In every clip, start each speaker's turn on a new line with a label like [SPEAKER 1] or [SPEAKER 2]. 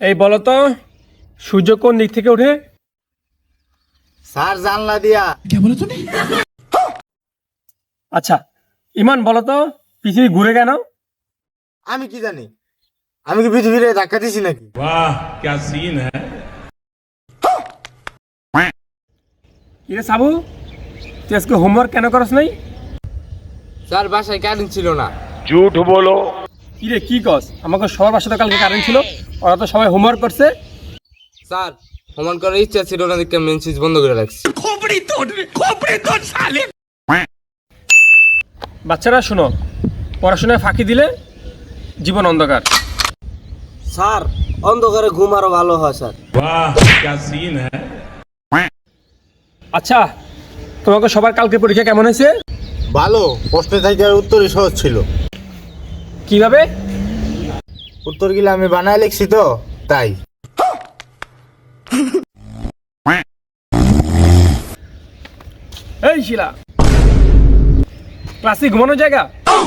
[SPEAKER 1] এই বলো তো সূর্য কোন দিক থেকে ওঠে?
[SPEAKER 2] স্যার জানলা দিয়া।
[SPEAKER 1] আচ্ছা ইমান বলো তো পৃথিবী ঘুরে কেন?
[SPEAKER 2] আমি কি জানি, আমি কি পৃথিবীরে ধাক্কা দিছি নাকি?
[SPEAKER 3] वाह क्या सीन है।
[SPEAKER 1] কিরে সাবু, তুই আজকে হোমওয়ার্ক কেন করস নাই?
[SPEAKER 2] স্যার বাসায় কারেন্ট ছিল না।
[SPEAKER 1] কিরে কি কস? আমাকে সবার বাসাতে কালকে কারেন্ট ছিল, ওরা তো সবাই হোমওয়ার্ক করছে।
[SPEAKER 2] স্যার হোমওয়ার্ক করার ইচ্ছা ছিল না, দেখে মেন সুইচ বন্ধ করে রাখছি।
[SPEAKER 1] বাচ্চারা শোনো, পড়াশোনায় ফাঁকি দিলে জীবন অন্ধকার।
[SPEAKER 2] স্যার অন্ধকারে ঘুম আরো ভালো হয় স্যার।
[SPEAKER 3] वाह क्या सीन है।
[SPEAKER 1] আচ্ছা তোমাকে সবার কালকে পরীক্ষা কেমন হয়েছে?
[SPEAKER 2] ভালো, প্রশ্নে থেকে উত্তরই সহজ ছিল।
[SPEAKER 1] কিভাবে?
[SPEAKER 2] উত্তরগুলো আমি বানায় লিখছি তো তাই।
[SPEAKER 1] এই শিলা, ক্লাসে ঘুমানোর জায়গা?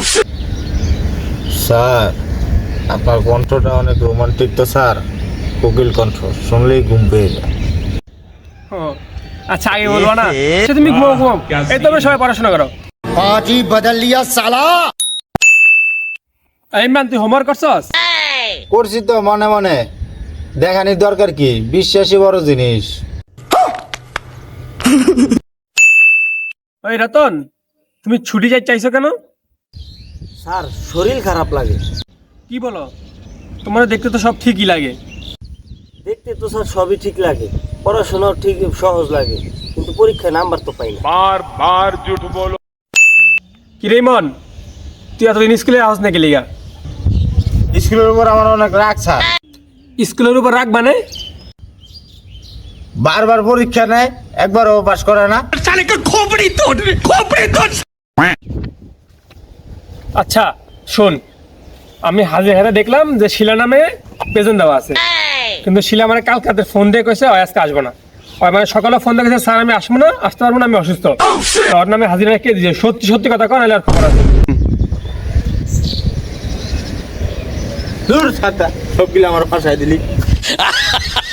[SPEAKER 2] স্যার আপনার কণ্ঠটা অনেক রোমান্টিক তো স্যার, কোকিল কণ্ঠ, শুনলেই ঘুম পেয়ে যায়।
[SPEAKER 1] ও, আচ্ছা আগে বলবো না? আচ্ছা, তুমি ঘুমাও ঘুমাও, এই তবে সবাই পড়াশোনা করো।
[SPEAKER 4] पाजी बदल लिया साला।
[SPEAKER 1] এই মান তুই হোমওয়ার্ক করছস?
[SPEAKER 2] করছি তো মনে মনে, দেখানির দরকার কি, বিশ্বাসই বড় জিনিস।
[SPEAKER 1] ওই রতন, তুমি ছুটি যাই চাইছো কেন?
[SPEAKER 2] স্যার শরীর খারাপ লাগে।
[SPEAKER 1] কি বলো? তোমার দেখতে তো সব ঠিকই লাগে।
[SPEAKER 2] দেখতে তো স্যার সবই ঠিক লাগে, পড়াশোনাও ঠিক সহজ লাগে, কিন্তু পরীক্ষায় নাম্বার তো পাই না।
[SPEAKER 3] बार बार झूठ बोलो।
[SPEAKER 1] কি রে মন, তুই এতদিন স্কুলে আওয়াজ নাকি লিগা?
[SPEAKER 2] স্কুলের উপর আমার অনেক রাগ স্যার।
[SPEAKER 1] স্কুলের উপর রাগ মানে?
[SPEAKER 2] বারবার পরীক্ষা নেয়, একবারও পাস করে না।
[SPEAKER 1] আচ্ছা শোন, আমি হাজির হাতে দেখলাম যে শিলা নামে প্রেজেন্ট দেওয়া আছে, কিন্তু শিলা মানে কালকে রাতে ফোন দিয়ে কইছে ওই আজকে আসবো না। ওই মানে সকালে ফোন দিয়ে কইছে স্যার আমি আসবো না, আসতে পারবো না, আমি অসুস্থ। ওর নামে হাজিরা কে দিয়েছে? সত্যি সত্যি কথা কন, নাহলে আর খবর আছে।
[SPEAKER 2] দূর ছাতা, সবগুলো আমার ফাঁসায় দিলি।